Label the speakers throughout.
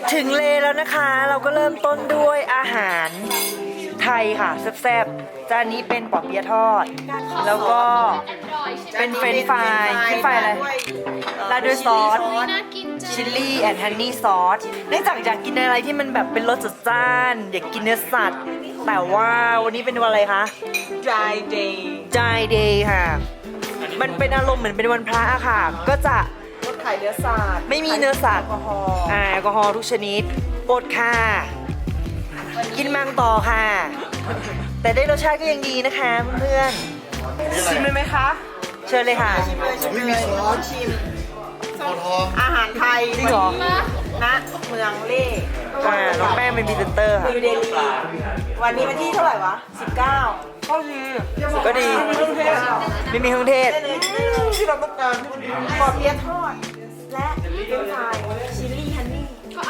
Speaker 1: ถึงเลแล้วนะคะเราก็เริ่มต้นด้วยอาหารไทยค่ะแซ่บๆจานนี้เป็นปอเปี๊ยะทอดแล้วก็เป็นเฟรนช์ฟรายอะไรราดด้วยซอสชิลลี่แอนด์ฮันนี่ซอสเนื่องจากอยากกินอะไรที่มันแบบเป็นรสจัดจ้านอยากกินเนื้อสัตว์แต่ว่าวันนี้เป็นวันอะไรคะ
Speaker 2: Dry day
Speaker 1: Dry Day ค่ะมันเป็นอารมณ์เหมือนเป็นวันพระอะค่ะก็จะ
Speaker 2: งดขายเนื้อสัตว์
Speaker 1: ไม่มีเนื้อสัตว์
Speaker 2: แอลกอฮอล์
Speaker 1: แอลกอฮอล์ทุกชนิดอดค่ะกินมังต่อค่ะ แต่ได้รสชาติก็ยังดีนะคะเพื่อน
Speaker 2: ชิมเลยไหมคะ
Speaker 1: ๆเชิญเลยค่ะ
Speaker 2: ชิมเลยชิมอาหารไทย
Speaker 1: จริงเหรอ
Speaker 2: ณเมืองเล่
Speaker 1: น้องแป้งเป็นพรีเซนเตอร์ค่ะ
Speaker 2: นิวเดลีวันนี้วันที่เท่าไหร่วะ 19ก็ดี
Speaker 1: ก็ดี ไม่มีเครื่องเทศ
Speaker 2: ที่เราต้องการปอเปี๊ยะทอด และเป็นไฟชิลลี่ฮันนี่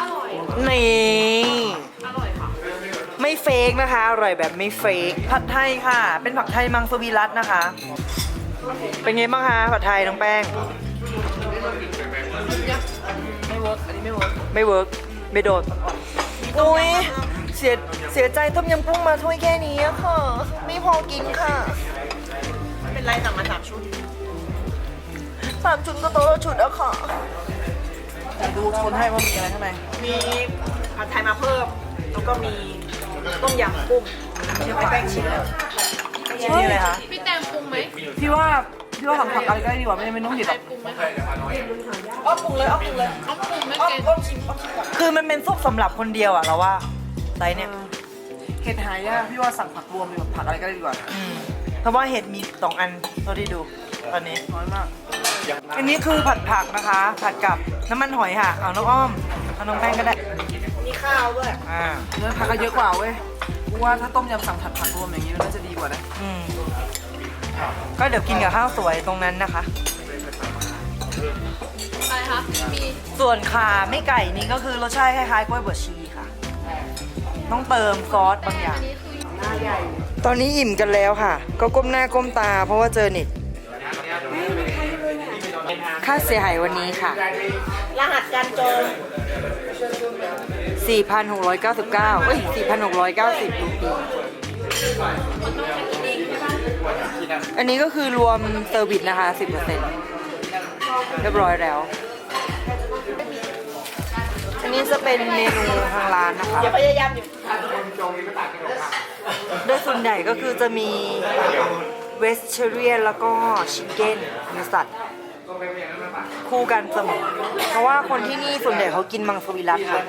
Speaker 1: นี่ไม่เฟกนะคะ อร่อยแบบไม่เฟกผัดไทยค่ะ เป็นผัดไทยมังสวิรัตนะคะ เป็นไงบ้างคะผัดไทยน้องแป้ง
Speaker 2: ไม่เวิร์กอันนี้ไม่เวิร์ก
Speaker 1: ไม่เวิร์กไม่โดดโอ้ยเสียใจต้มยำกุ้งมาถ้วยแค่นี้อะค่ะ ไม่พอกินค่ะ
Speaker 2: ไม่เป็นไรสั่งมา3 ชุด
Speaker 1: 3 ชุดก็โต๊ะละชุดอะค่ะ
Speaker 2: ดูคนให้ว่ามีอะไรข้างในมีผัดไทยมาเพิ่ม แล้วก็มีต้มยำกุ้งชิมไปแป้งชิมแล้ว
Speaker 1: นี่อะไรคะ
Speaker 3: พี่แตงปรุงไหม
Speaker 2: พี่ว่าสั่งผักอะไรก็ได้ดีกว่าไม่ต้องหยิบหรอก
Speaker 3: ปรุงไหม
Speaker 2: อ้อปรุงเลยอ้อปรุงเลย
Speaker 3: ต้องปรุงไม่
Speaker 2: อ้อ
Speaker 3: เก่ง
Speaker 2: อ้อชิมก่อน
Speaker 1: คือมันเป็นซุปสำหรับคนเดียวอะเราว่าไซส์เนี่ย
Speaker 2: เห็ดหายากพี่ว่าสั่งผักรวมดีกว่าผักอะไรก็ได้ดีกว่า
Speaker 1: เพราะว่าเห็ดมี2 อันเท่าที่ดูตอนนี้
Speaker 2: น้อยมาก
Speaker 1: อันนี้คือผัดผักนะคะ ผัดกับน้ำมันหอยค่ะ เอาน้องอ้อม เอาน้องแป้งก็ได้
Speaker 2: มีข้าวด้วย เนื้อผักก็เยอะกว่าเว้ยกูว่าถ้าต้มยำสั่งผัดรวมอย่างนี้มันน่าจะดีกว่านะ
Speaker 1: อืมก็เดี๋ยวกินกับข้าวสวยตรงนั้นนะคะ
Speaker 3: อะไรคะ มี
Speaker 1: ส่วนขาไม่ไก่นี่ก็คือรสชาติคล้ายๆกล้วยบวชชีค่ะ ต้องเติมซอสบางอย่าง
Speaker 3: อันนี้คือ
Speaker 1: ตอนนี้อิ่มกันแล้วค่ะ ก็ก้มหน้าก้มตาเพราะว่าเจอเน็ตค่าเสียหายวันนี้ค่ะ
Speaker 2: รหัสการจอง
Speaker 1: 4,699เอ้ย 4,690 รูปีอันนี้ก็คือรวมเซอร์วิสนะคะ 10%เรียบร้อยแล้ว อันนี้จะเป็นเมนูทางร้านนะคะ
Speaker 2: อย่าพยายามอยู่
Speaker 1: โดยส่วนใหญ่ก็คือจะมีเวสเทเรียนแล้วก็ชิคเก้นเนื้อสัตว์คู่กันเสมอเพราะว่าคนที่นี่ส่วนใหญ่เขากินมังสวิรัติค่ะ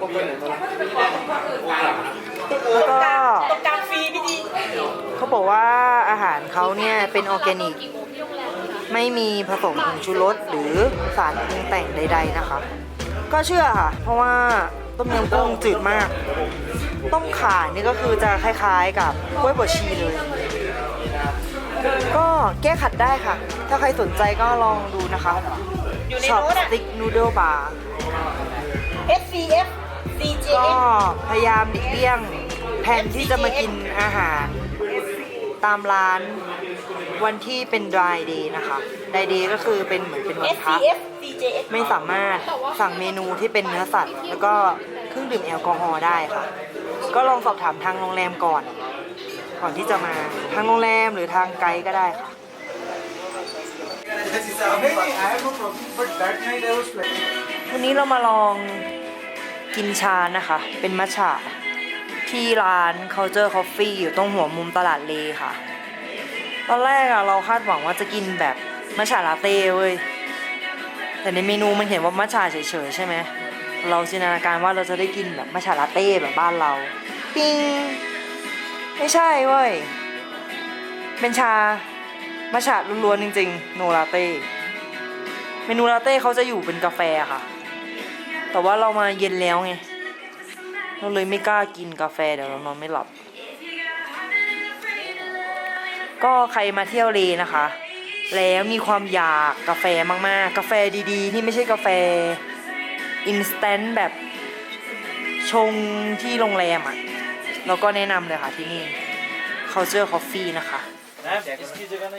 Speaker 1: แล้วก็
Speaker 2: ตรงกลางฟรีพี่ดี
Speaker 1: เขาบอกว่าอาหารเขาเนี่ยเป็นออร์แกนิก ไม่มีผสมผงชูรสหรือสารปรุงแต่งใดๆนะคะ ก็เชื่อค่ะ เพราะว่าต้มยำกุ้งจืดมาก ต้มข่านี่ก็คือจะคล้ายๆกับกล้วยบวชชีเลย ก็แก้ขัดได้ค่ะ ถ้าใครสนใจก็ลองดูนะคะ
Speaker 2: อยู่ใน
Speaker 1: ช็อป
Speaker 2: โน้ต
Speaker 1: ส
Speaker 2: อะ
Speaker 1: ติ๊กนูเดิลบาร์
Speaker 2: SCF
Speaker 1: ก็
Speaker 2: CJF
Speaker 1: พยายามหลีกเลี่ยงแผนที่จะมากินอาหารตามร้านวันที่เป็น dry day นะคะ dry day ก็คือเป็นเหมือนเป็นวันพัก
Speaker 2: SCF CJF
Speaker 1: ไม่สามารถสั่งเมนูที่เป็นเนื้อสัตว์ แล้วก็เครื่องดื่มแอลกอฮอล์ได้ค่ะ ก็ลองสอบถามทางโรงแรมก่อนที่จะมาทางโรงแรมหรือทางไกด์ก็ได้ค่ะ วันนี้เรามาลองกินชานะคะ เป็นมัทฉะที่ร้าน Culture Coffee อยู่ตรงหัวมุมตลาดเลค่ะ ตอนแรกอะเราคาดหวังว่าจะกินแบบมัทฉะลาเต้เว้ย แต่ในเมนูมันเห็นว่ามัทฉะเฉยๆใช่ไหม เราจินตนาการว่าเราจะได้กินแบบมัทฉะลาเต้แบบบ้านเรา ปิ้ง ไม่ใช่เว้ย เป็นชามัทฉะล้วนๆจริงๆ โนลาเต้ เมนูลาเต้เขาจะอยู่เป็นกาแฟค่ะ แต่ว่าเรามาเย็นแล้วไง เราเลยไม่กล้ากินกาแฟเดี๋ยวเรานอนไม่หลับ ก็ใครมาเที่ยวเลนะคะ แล้วมีความอยากกาแฟมากๆ กาแฟดีๆ ที่ไม่ใช่กาแฟอินสแตนต์แบบชงที่โรงแรมอ่ะ เราก็แนะนำเลยค่ะที่นี่ Culture Coffee นะคะ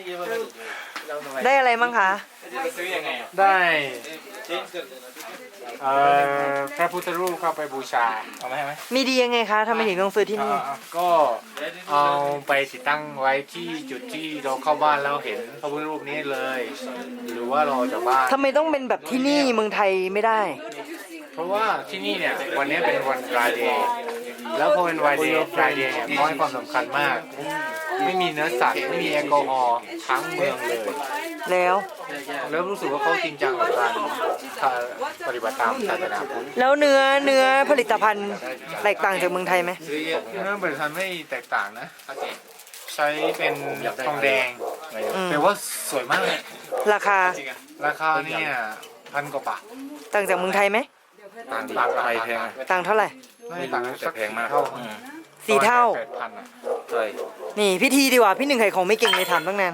Speaker 1: ได้อะไรบ้างคะ
Speaker 4: ได้พระพุทธรูปเข้าไปบูชาเอาไหมให้ไหม
Speaker 1: มีดียังไงคะทำไมถึงต้องซื้อที่นี่
Speaker 4: ก็เอาไปติดตั้งไว้ที่จุดที่เราเข้าบ้านแล้วเห็นพระพุทธรูปนี้เลย หรือว่าเราจากบ้าน
Speaker 1: ทำไมต้องเป็นแบบที่นี่เมืองไทยไม่ได้
Speaker 4: เพราะว่าที่นี่เนี่ยวันนี้เป็นวันรายเดย์แล้วพอเป็นรายเดย์เนี่ยเขาให้ความสำคัญมาก ไม่มีเนื้อสัตว์ไม่มีแอลกอฮอล์ทั้งเมืองเลย
Speaker 1: แล้ว
Speaker 4: แล้วรู้สึกว่าเขาจริงจังกับการปฏิบัติตามศาสนาพุทธ
Speaker 1: แล้วเนื้อผลิตภัณฑ์แตกต่างจากเมืองไทยไหม
Speaker 4: เนื้อบริษัทไม่แตกต่างนะใช้เป็นทองแดง
Speaker 1: อืม
Speaker 4: แต่ว่าสวยมากเลย
Speaker 1: ราคา
Speaker 4: ราคาเนี่ย1,000 กว่าบาท
Speaker 1: ต่างจากเมืองไทยไหม
Speaker 4: ต่างไทยแพง
Speaker 1: ต่างเท่าไหร่
Speaker 4: ไม่ต่างแต่แพงมาก
Speaker 1: สี่เท่า
Speaker 4: 8,000 อ่ะ
Speaker 5: ใช่
Speaker 1: นี่พิธีดีกว่าพี่หนึ่งไข่ของไม่เก่งเลยถามตั้งนาน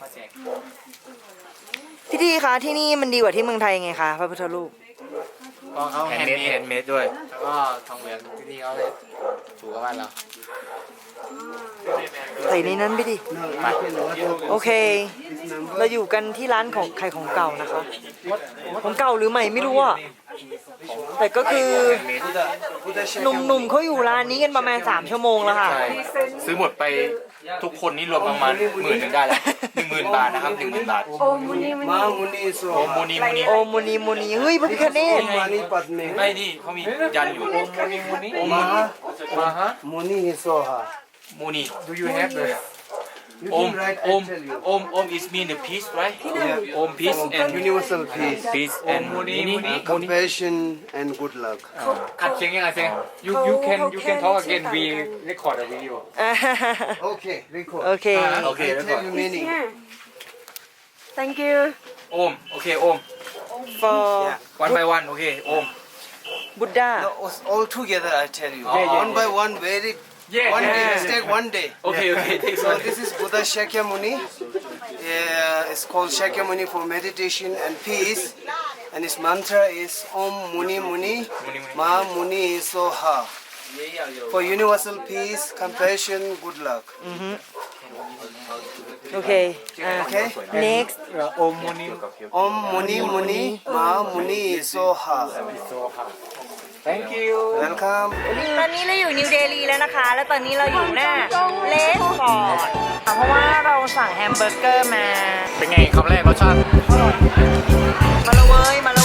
Speaker 1: พี่ทีคะที่นี่มันดีกว่าที่เมืองไทยไงคะพระพุทธรูป
Speaker 4: ก็เขา
Speaker 5: แฮ
Speaker 4: แฮ
Speaker 5: น
Speaker 4: น
Speaker 5: ด์
Speaker 4: ด์
Speaker 5: เม
Speaker 4: เม
Speaker 5: ด
Speaker 4: ด
Speaker 5: เมดด้วย
Speaker 4: แล้วก็ทองเหลืองที่นี่เขาเลยถูกกับบ้านเรา
Speaker 1: ใส่ในนั้นไปดิโอเค เราอยู่กันที่ร้านของไข่ของเก่านะคะ ของเก่าหรือใหม่ไม่รู้อะแต่ก็คือหนุ่มๆเขาอยู่ร้านนี้กันประมาณ3 ชั่วโมงแล้วค่ะ
Speaker 5: ใช่ซื้อหมดไปทุกคนนี่รวมประมาณ10,000ได้แล้ว10,000 บาทนะครับ10,000 บาท
Speaker 6: Ma muni so
Speaker 5: โอมูนีมูนี
Speaker 1: โอมูนีมูนีเฮ้ยพระพิฆเนศ
Speaker 6: mani padme
Speaker 5: ไม่นี่เขามียันอยู่โอมูนีมูนีโอมูนี
Speaker 4: มาฮะ
Speaker 6: muni so ha.
Speaker 5: มูนี
Speaker 4: Do you have the
Speaker 6: You
Speaker 5: โอม
Speaker 6: can write
Speaker 5: โอม
Speaker 6: I tell you.
Speaker 5: โอม is mean the peace right โอม peace and
Speaker 6: Universal peace,
Speaker 5: peace and
Speaker 4: มูนี
Speaker 5: นี่
Speaker 4: มูนี
Speaker 6: compassion and good luck.
Speaker 4: อัดเสียงยังไงเสียง you can talk again we record a video
Speaker 6: Okay, record.
Speaker 1: โอเค
Speaker 5: โอเค
Speaker 6: I
Speaker 5: แล้วก็
Speaker 6: tell you meaning.
Speaker 1: thank you
Speaker 5: โอมโอเคโอม
Speaker 1: for
Speaker 5: one by one โอเคโอม
Speaker 1: Buddha
Speaker 6: No, all together I tell you.
Speaker 5: Yeah, yeah,
Speaker 6: one by one, very.
Speaker 4: Yeah,
Speaker 6: one day,
Speaker 4: yeah,
Speaker 6: let's take one day.
Speaker 5: โอเคโอเค take
Speaker 6: So
Speaker 5: one
Speaker 6: this is Buddha Shakyamuni. It's called Shakyamuni for meditation and peace. And his mantra is Om Muni Muni Ma Muni Soha. For universal peace, compassion, good luck.
Speaker 1: โอเคอ่า
Speaker 6: Okay?
Speaker 1: next
Speaker 4: โอมมูนี
Speaker 6: Om Muni Muni Ma Muni Soha.
Speaker 4: thank you
Speaker 6: Welcome.
Speaker 1: ตอนนี้เราอยู่นิวเดลีแล้วนะคะ แล้วตอนนี้เราอยู่หน้าเลสฟอร์ดเพราะว่าเราสั่งแฮมเบอร์เกอร์มา
Speaker 4: เป็นไงคำแรกรสชาติ
Speaker 1: มาละเว้ยมา